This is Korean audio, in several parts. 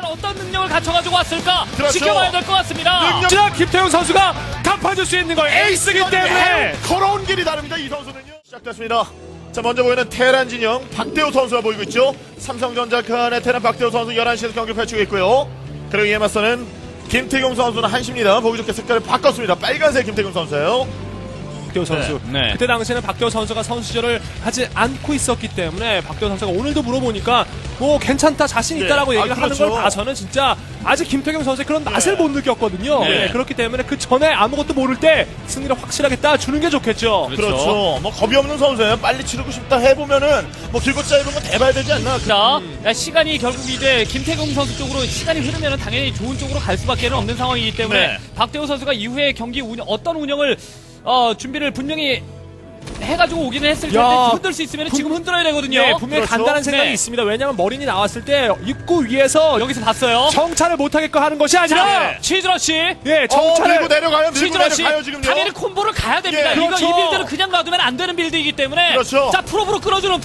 어떤 능력을 갖춰가지고 왔을까 그렇죠. 지켜봐야 될 것 같습니다. 진짜 김태형 선수가 갚아줄 수 있는 거 에이스이기 때문에 걸어온 길이 다릅니다. 이 선수는요. 시작됐습니다. 자, 먼저 보이는 테란 진영 박대호 선수가 보이고 있죠. 삼성전자 칸의 테란 박대호 선수 11시에서 경기를 펼치고 있고요. 그리고 이에 맞서는 김태경 선수는 한시입니다. 보기 좋게 색깔을 바꿨습니다. 빨간색 김태경 선수예요. 박대호 선수. 네. 그때 당시에는 박대호 선수가 선수 시절을 하지 않고 있었기 때문에 박대호 선수가 오늘도 물어보니까 뭐 괜찮다 자신 있다라고 네. 얘기를 하는 그렇죠. 걸 봐서는 진짜 아직 김태경 선수의 그런 맛을 못 느꼈거든요. 네. 네, 그렇기 때문에 그 전에 아무것도 모를 때 승리를 확실하게 따주는 게 좋겠죠. 그렇죠. 뭐 겁이 없는 선수예요. 빨리 치르고 싶다 해보면은 뭐 길고 짧은 건 대봐야 되지 않나. 자, 시간이 결국 이제 김태경 선수 쪽으로 시간이 흐르면 당연히 좋은 쪽으로 갈 수밖에 없는 상황이기 때문에 네. 박대호 선수가 이후에 경기 어떤 운영을 준비를 분명히 해가지고 오기는 했을 텐데 야, 흔들 수 있으면 지금 흔들어야 되거든요. 네, 분명히 그렇죠. 간단한 생각이 네. 있습니다. 왜냐하면 머린이 나왔을 때 입구 위에서 여기서 봤어요. 정찰을 못하게끔 하는 것이 아니라 자, 치즈러시. 예, 밀고 정찰을 내려가요. 밀고 치즈러시. 내려가요 지금요. 당연히 콤보를 가야 됩니다. 예, 이거 그렇죠. 이 빌드는 그냥 놔두면 안 되는 빌드이기 때문에. 그렇죠. 자, 프로브로 끌어주는.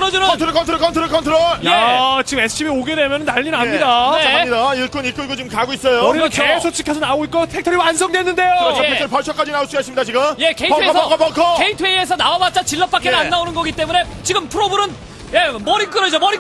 컨트롤. 야, 지금 SCB 오게 되면 난리 납니다. 네. 자, 갑니다. 일꾼 이끌고 지금 가고 있어요. 머리가 그렇죠. 계속 찍혀서 나오고 있고 팩토리 완성됐는데요. 그렇죠. 예. 팩토리 벌처까지 나올 수가 있습니다 지금. 예, 게이트웨이에서 벙커. 게이트웨이에서 나와봤자 질럿밖에 예. 안 나오는 거기 때문에 지금 프로브는 머리 끌어줘. 머리.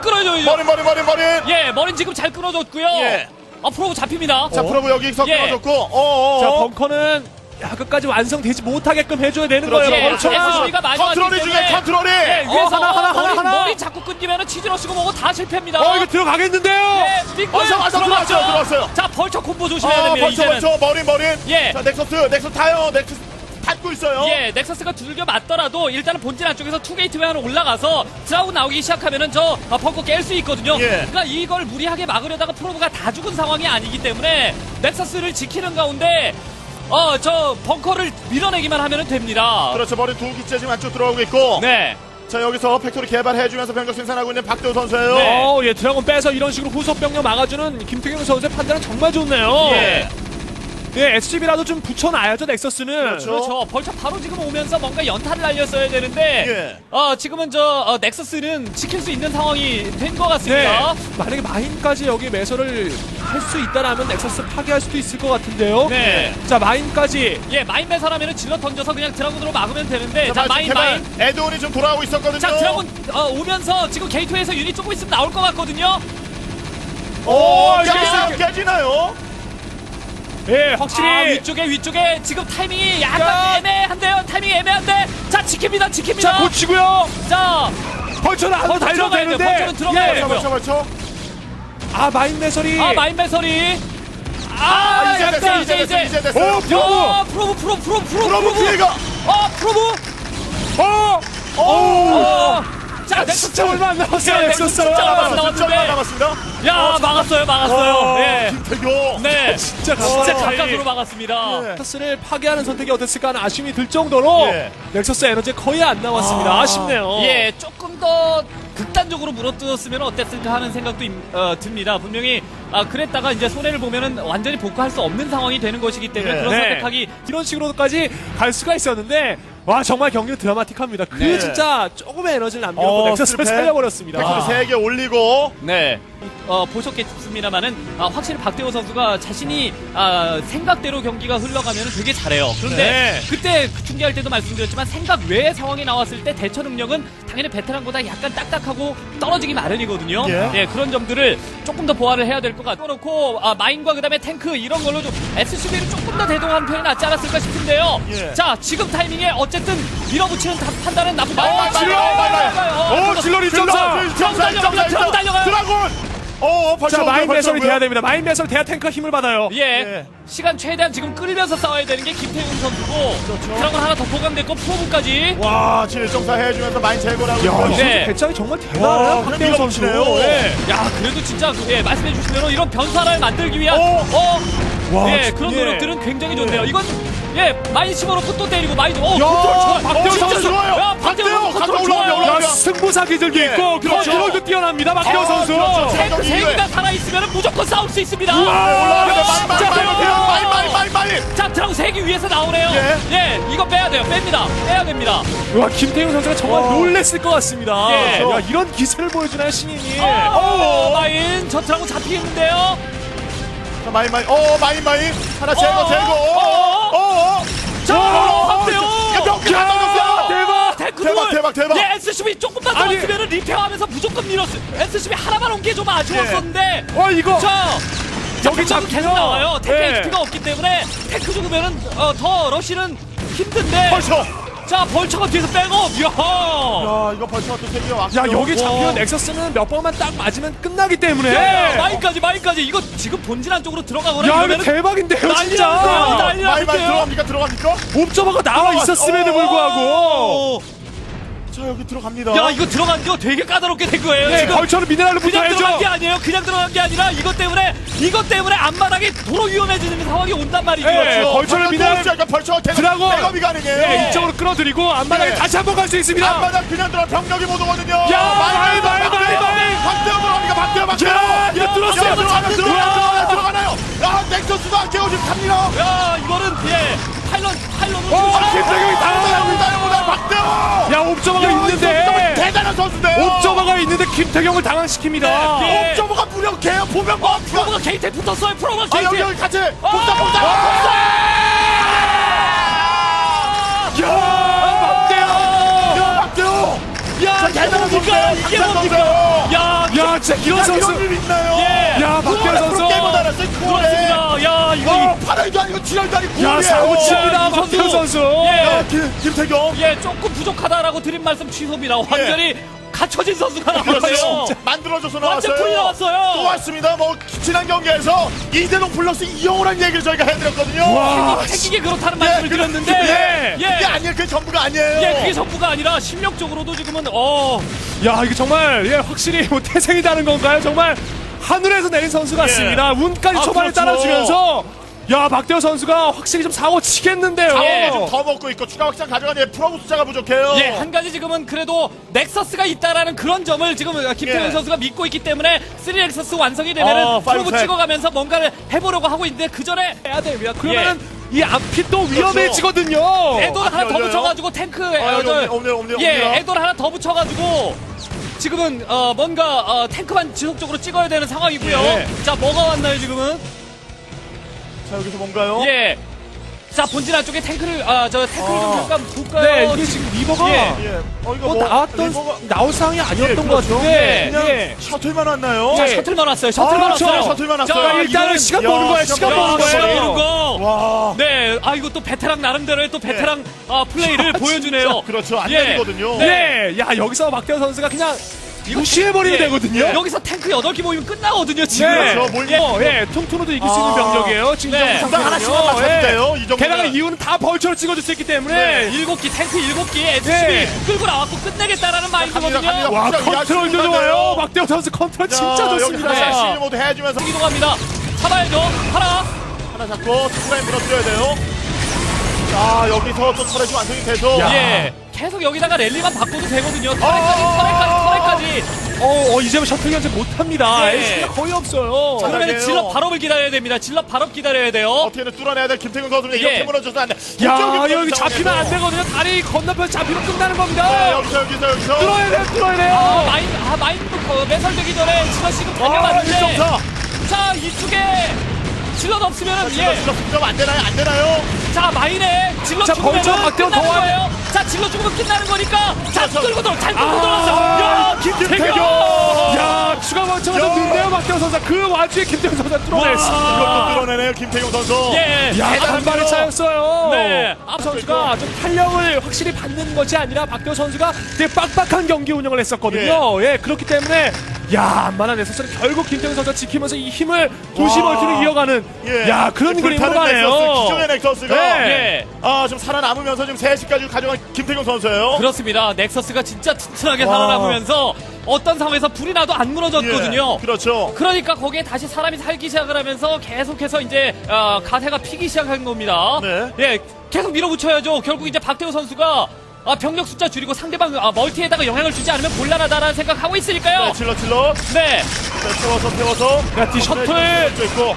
예, 머리는 지금 잘 끌어줬고요. 예. 프로브 잡힙니다. 자, 프로브 여기서 예. 끊어줬고. 자, 벙커는 끝까지 완성되지 못하게끔 해줘야 되는 그렇죠. 거예요. 예, 벌처가. SCB가 많이 컨트롤이 왔기 중에 때문에 컨트롤이. 예, 위에서 하나. 머리 자꾸 끊기면 치즈러시고 뭐고 다 실패입니다. 이거 들어가겠는데요. 예, 빅볼 들어갔어요. 자, 벌처 콤보 조심해야 됩니다. 이제는. 벌처 머리. 예. 자, 넥서스 타요. 넥서스 닫고 있어요. 예, 넥서스가 두들겨 맞더라도 일단은 본진 안쪽에서 투게이트웨이 하나 올라가서 드라군 나오기 시작하면은 저 벙커 깰 수 있거든요. 예. 그러니까 이걸 무리하게 막으려다가 프로브가 다 죽은 상황이 아니기 때문에 넥서스를 지키는 가운데 저 벙커를 밀어내기만 하면 됩니다. 그렇죠. 머리 두 기째 지금 안쪽 들어오고 있고. 네. 자, 여기서 팩토리 개발해주면서 병력 생산하고 있는 박대호 선수예요. 네. 예, 드래곤 빼서 이런 식으로 후속 병력 막아주는 김태경 선수의 판단은 정말 좋네요. 예. 예, SCB라도 좀 붙여놔야죠, 넥서스는. 그렇죠. 그렇죠. 벌써 바로 지금 오면서 뭔가 연타를 날렸어야 되는데 지금은 저 넥서스는 지킬 수 있는 상황이 된 것 네. 같습니다. 만약에 마인까지 여기 매설을 할 수 있다라면 넥서스 파괴할 수도 있을 것 같은데요. 네. 자, 마인까지. 예, 마인 매설하면은 질러 던져서 그냥 드라군으로 막으면 되는데 자, 마인. 에드온이 좀 돌아오고 있었거든요. 자, 드라군 오면서 지금 게이트웨이에서 유닛 조금 있으면 나올 것 같거든요. 깨지나요? 예, 확실히. 위쪽에 지금 타이밍이 약간 야. 애매한데요. 타이밍이 애매한데. 자, 지킵니다. 자, 고치고요. 자, 벌처는 안 달려도 들어가야 돼요. 되는데. 벌처는 들어가야 돼요. 벌쳐. 마인 매설이. 마인 매설이. 이제 됐어요. 프로브 피해가. 자, 진짜 얼마 안 남았어요, 넥서스. 진짜 얼마 안 진짜 남았는데. 남았습니다. 야, 막았어요. 네. 김태교. 네. 진짜 진짜 가까이. 가깝으로 막았습니다. 네. 넥서스를 파괴하는 선택이 어땠을까 하는 아쉬움이 들 정도로 예. 넥서스 에너지 거의 안 남았습니다. 아쉽네요. 예, 조금 더 극단적으로 물어뜯었으면 어땠을까 하는 생각도 듭니다. 분명히 그랬다가 이제 손해를 보면은 완전히 복구할 수 없는 상황이 되는 것이기 때문에 예. 그런 네. 선택하기 이런 식으로까지 갈 수가 있었는데 와 정말 경기는 드라마틱합니다. 그 네. 진짜 조금의 에너지를 남겨놓고 넥서스를 실패. 살려버렸습니다. 팩토리 3개 올리고. 네. 보셨겠습니다만은 확실히 박대호 선수가 자신이 생각대로 경기가 흘러가면 되게 잘해요. 그런데 네. 그때 중계할 때도 말씀드렸지만 생각 외의 상황이 나왔을 때 대처 능력은 당연히 베테랑보다 약간 딱딱하고 떨어지기 마련이거든요. 예. 그런 점들을 조금 더 보완을 해야 될 것 같고 그렇고 마인과 그다음에 탱크 이런 걸로 좀 SCB를 조금 더 대동하는 편이 낫지 않았을까 싶은데요. 예. 자, 지금 타이밍에 어쨌든 밀어붙이는 판단은 나쁘지 질러 입점사. 드럼 달려가요. 드라군. 벌써 자 마인 매설이 오고요. 돼야 됩니다. 마인 매설 돼야 탱크가 힘을 받아요. 예. 시간 최대한 지금 끌면서 싸워야 되는 게 김태훈 선수고 드라곤 하나 더 보강됐고 프로브까지. 와, 지금 정사 해주면서 많이 제거를 하고 있어요. 네. 배짱이 정말 와, 대단해요. 박대호 그냥 선수. 밀어붙이네요. 네. 야, 그래도 진짜 말씀해 주신 대로 이런 변화를 만들기 위한 와, 그런 예. 노력들은 굉장히 좋네요. 이건 많이 집어넣고 또 때리고 많이 박대호 진짜 선수. 좋아요. 야, 박대호 박대호 컨트롤 올라갑니다. 야, 승부사 기질도 예. 있고 그렇죠. 컨트롤도 뛰어납니다. 박대호 선수. 그렇죠. 탱크 경기 3개가 살아있으면 무조건 싸울 수 있습니다. 올라갑니다. 진짜 마인. 드라군이. 자, 드라군 3기 위에서 나오네요. 예. 예, 이거 빼야 돼요. 빼야 됩니다. 와, 김태형 선수가 정말 와. 놀랬을 것 같습니다. 예. 야, 이런 기세를 보여주나요, 신인이? 마인, 저 드라군 잡히겠는데요? 자, 마인. 하나 제거. 자, 박대호! 이거 몇개 던졌어요. 대박! 탱크 대박. 예, SCB 조금만 더 아니. 왔으면 리페어하면서 무조건 밀었어요. SCB 하나만 온 게 좀 아쉬웠었는데. 이거. 자, 여기 여기 잡히면. 계속 나와요. 탱크 예. HP가 없기 때문에 탱크 죽으면은 더 러시는 힘든데. 벌써. 자, 벌처가 뒤에서 백업. 이야. 야, 이거 벌써 또 세기가 왔고. 야, 여기 잡히면 넥서스는 몇 번만 딱 맞으면 끝나기 때문에. 예, 마인까지. 이거 지금 본진 안쪽으로 들어가거나 야, 이거 이러면은 대박인데요, 난리 진짜. 나는데요, 난리 마인 나는데요. 들어갑니까? 옵저버가 나와 있었음에도 불구하고. 자, 여기 들어갑니다. 야, 이거 들어간 거 되게 까다롭게 된 거예요. 네, 지금 벌처는 미네랄로 그냥 들어간 게 붙어야죠. 아니에요. 그냥 들어간 게 아니라 이것 때문에 앞마당이 도로 위험해지는 상황이 온단 말이죠. 예, 벌처를 벌처가 드라곤. 백업이 가능해요. 네, 이쪽으로 끌어들이고 앞마당에 네. 다시 한번 갈 수 있습니다. 앞마당 그냥 들어 병력이 못 오거든요. 야, 마인. 박대호 들어갑니까? 박대호. 야, 이거 뚫었어요. 들어가나요? 야, 넥서스도 안 깨고 지금 갑니다. 야, 이거는 파일런으로 김태경이 당황합니다. 박대호. 야, 옵저버가 있는데. 대단한 선수인데요. 옵저버가 있는데 김태경을 당황시킵니다. 네. 옵저버가 무력해요. 보면 프로가 게이트에 붙었어요. 프로가 아, 게이트에. 여기 같이 복사. 박대호. 야, 이게 대단한 뭡니까? 선수예요. 이게 강산 뭡니까? 선수예요. 야, 진짜 이런 선수. 이런 일 있나요? 예. 야, 박대호 선수. 게임을 알았어요. 그렇습니다. 야, 이거 8월도 아니고 7월도 아니고 야, 사고 칩니다. 이 선수. 박태호 선수. 예. 김태경. 예, 조금 부족하다라고 드린 말씀 취소입니다. 완전히 갖춰진 선수가 나왔어요. 만들어줘서 완전 나왔어요. 풀이 나왔어요. 또 왔습니다. 뭐 지난 경기에서 이대동 플러스 이영호란 얘기를 저희가 해드렸거든요. 와. 생기게 그렇다는 말씀을 드렸는데, 예. 그게 아니에요. 그게 전부가 아니에요. 예, 그게 전부가 아니라 실력적으로도 지금은 야, 이게 정말 확실히 뭐 태생이다는 건가요? 정말 하늘에서 내린 선수 같습니다. 운까지 초반에 그렇죠. 따라주면서 야, 박대호 선수가 확실히 좀 사고 치겠는데요. 예. 더 먹고 있고 추가 확장 가져가니 프로브 숫자가 부족해요. 예, 한 가지 지금은 그래도 넥서스가 있다라는 그런 점을 지금 김태훈 예. 선수가 믿고 있기 때문에 3넥서스 완성이 되면은 프로브 파이브 찍어가면서 뭔가를 해보려고 하고 있는데 그 전에 해야 됩니다. 그러면은 이 앞이 또 위험해지거든요. 에도를 하나 더 열려요? 붙여가지고 탱크 없네요. 예, 에도를 하나 더 붙여가지고 지금은 뭔가 탱크만 지속적으로 찍어야 되는 상황이고요. 예. 자, 뭐가 왔나요 지금은? 자, 여기서 뭔가요? 예. 자, 본진 안쪽에 탱크를 탱크를 좀 잠깐 볼까요? 네, 이게 지금 리버가 예. 예. 이거 뭐 나왔던 나올 상황이 아니었던 것 그렇죠. 같은데. 그냥 예. 셔틀만 왔나요? 자, 예. 셔틀만 왔어요. 셔틀만 그렇죠. 왔어요. 셔틀만 왔어요. 자, 일단은 이거는- 시간 보는 거예요. 시간 시간 보는 보는 시간 거예요. 보는 거. 와. 네, 이거 또 베테랑 나름대로의 또 베테랑 플레이를 보여주네요. 그렇죠. 안 예. 되거든요. 네, 야, 여기서 박대호 선수가 그냥 무시해버리면 예. 되거든요. 여기서 탱크 8개 모이면 끝나거든요, 지금. 네, 그렇죠. 몰- 예, 통투로도 이길 수 있는 아. 병력이에요. 지금 네. 이 정도 당 하나씩만 상태는요. 맞춰도 예. 돼요. 이 정도. 게다가 이유는 다 벌처를 찍어줄 수 있기 때문에. 7기, 탱크 7기, SCB 네. 끌고 나왔고 끝내겠다라는 마인드거든요. 갑니다. 와, 진짜 컨트롤도 야심찬데요. 좋아요. 박대호 선수 컨트롤 진짜 좋습니다. 여기서 샷시 모두 해주면서 이동합니다. 잡아야죠. 하나. 하나 잡고 투라인 밀어드려야 돼요. 자, 여기서 또 터렛이 완성이 돼서. 예. 계속 여기다가 랠리만 바꿔도 되거든요. 터렛까지. 이제는 셔틀 견제 못합니다. 네. 에이스가 거의 없어요. 자, 그러면 잘하네요. 질럿 발업을 기다려야 됩니다. 질럿 발업 기다려야 돼요. 어떻게든 뚫어내야 될 김태균 선수는 이렇게 예. 무너져서 안 돼. 야, 공격이 여기 무너진 잡히면 안 상황에서. 되거든요. 다리 건너편 잡히면 끝나는 네, 겁니다. 여기서. 뚫어야 돼요, 뚫어야 돼요. 마인드 매설되기 전에 질럿 지금 아, 다녀봤는데. 1.4. 자, 이쪽에 질럿 없으면은 질러 안 되나요? 안 되나요? 자, 마인에 질럿 자, 죽으면 벌써 박대호 끝나는 더 거예요. 자, 질럿 죽으면 끝나는 거니까. 자, 그렇죠. 끌고 들어. 잘 끌고 아, 들어왔어. 야, 김태경! 야, 추가 벌처가 더 늦네요, 박대호 선수. 그 와중에 김태형 선수가 뚫어냈습니다. 이것도 뚫어내네요, 김태경 선수. 예. 야, 대단합니다. 간발의 차였어요. 네. 앞 선수가 좀 탄력을 확실히 받는 것이 아니라 박대호 선수가 되게 빡빡한 경기 운영을 했었거든요. 예, 그렇기 때문에 야, 안만한 에서는 결국 김태형 선수가 지키면서 이 힘을 도시 와. 멀티를 이어가는 예. 야, 그런 그림으로 불타는 가네요. 넥서스, 기존의 넥서스가 예. 좀 살아남으면서 지금 3시까지 가져간 김태경 선수예요. 그렇습니다. 넥서스가 진짜 튼튼하게 와. 살아남으면서 어떤 상황에서 불이 나도 안 무너졌거든요. 예, 그렇죠. 그러니까 거기에 다시 사람이 살기 시작을 하면서 계속해서 이제 가세가 피기 시작한 겁니다. 네. 예, 계속 밀어붙여야죠. 결국 이제 박태호 선수가 병력 숫자 줄이고 상대방 멀티에다가 영향을 주지 않으면 곤란하다라는 생각하고 있으니까요. 네, 질러. 네. 자, 태워서. 야, 뒤 셔틀. 또 있고.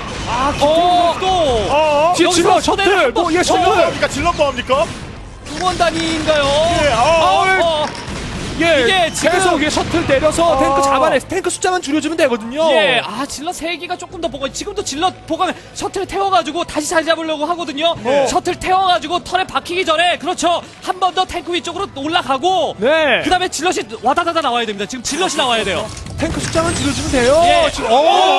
또 뒤에 질러, 여기서 셔틀. 손해를 뭐, 얘 질러 셔틀. 뭐합니까? 질러 뭐합니까? 응원 단위인가요? 예, 예, 이게 지금- 계속 위에 셔틀 내려서 탱크 잡아내. 탱크 숫자만 줄여주면 되거든요. 예, 질럿 3기가 조금 더 보강. 지금도 질럿 보강 셔틀 태워가지고 다시 자리 잡으려고 하거든요. 셔틀 태워가지고 턴에 박히기 전에 그렇죠. 한 번 더 탱크 위쪽으로 올라가고. 네. 그 다음에 질럿이 와다다다 나와야 됩니다. 지금 질럿이 나와야 돼요. 탱크 숫자만 줄여주면 돼요. 예. 지금,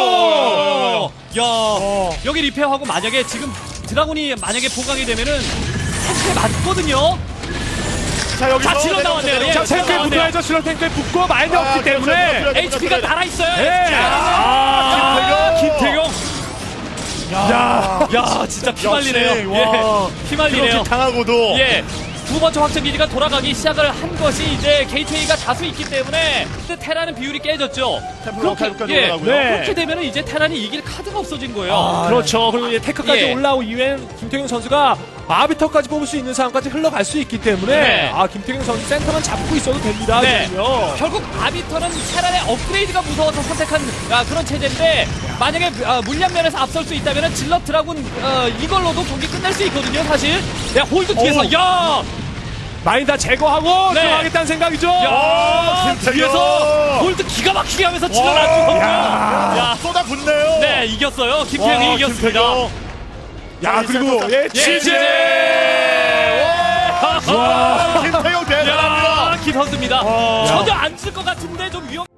야, 여기 리페어하고 만약에 지금 드라군이 만약에 보강이 되면은 탱크에 맞거든요. 자, 여기서. 자, 질러 나왔네요. 예. 자, 탱크에 나왔네요. 붙어야죠. 질러 탱크에 붙고 많이 없기 때문에. 그렇죠. HP가 날아있어요. 예. 김태경. 야, 진짜 피말리네요. 역시, 와. 예, 피말리네요. 그렇게 당하고도. 예. 두 번째 확정 기지가 돌아가기 시작을 한 것이 이제 게이트웨이가 다수 있기 때문에 테라는 비율이 깨졌죠. 템플러 칼국까지 예, 올라가고요. 네. 그렇게 되면은 이제 테란이 이길 카드가 없어진 거예요. 그렇죠. 그리고 이제 테크까지 예. 올라오고 이후엔 김태경 선수가 아비터까지 뽑을 수 있는 상황까지 흘러갈 수 있기 때문에 네. 김태경 선수 센터만 잡고 있어도 됩니다. 네. 지금요. 결국 아비터는 테란의 업그레이드가 무서워서 선택한 그런 체제인데 만약에 물량 면에서 앞설 수 있다면 질럿 드라군 이걸로도 경기 끝날 수 있거든요. 사실. 야, 홀드 뒤에서 어우. 야, 많이 다 제거하고 네. 들어가겠다는 생각이죠. 야, 김태경. 뒤에서 홀드 기가 막히게 하면서 질럿 안 죽었고요. 야, 쏟아붓네요. 네, 이겼어요. 김태형이 이겼습니다. 야, 그리고 예, 치즈! 김태경 대단합니다. 야, 김선수입니다. 와. 전혀 안 쓸 것 같은데 좀 위험.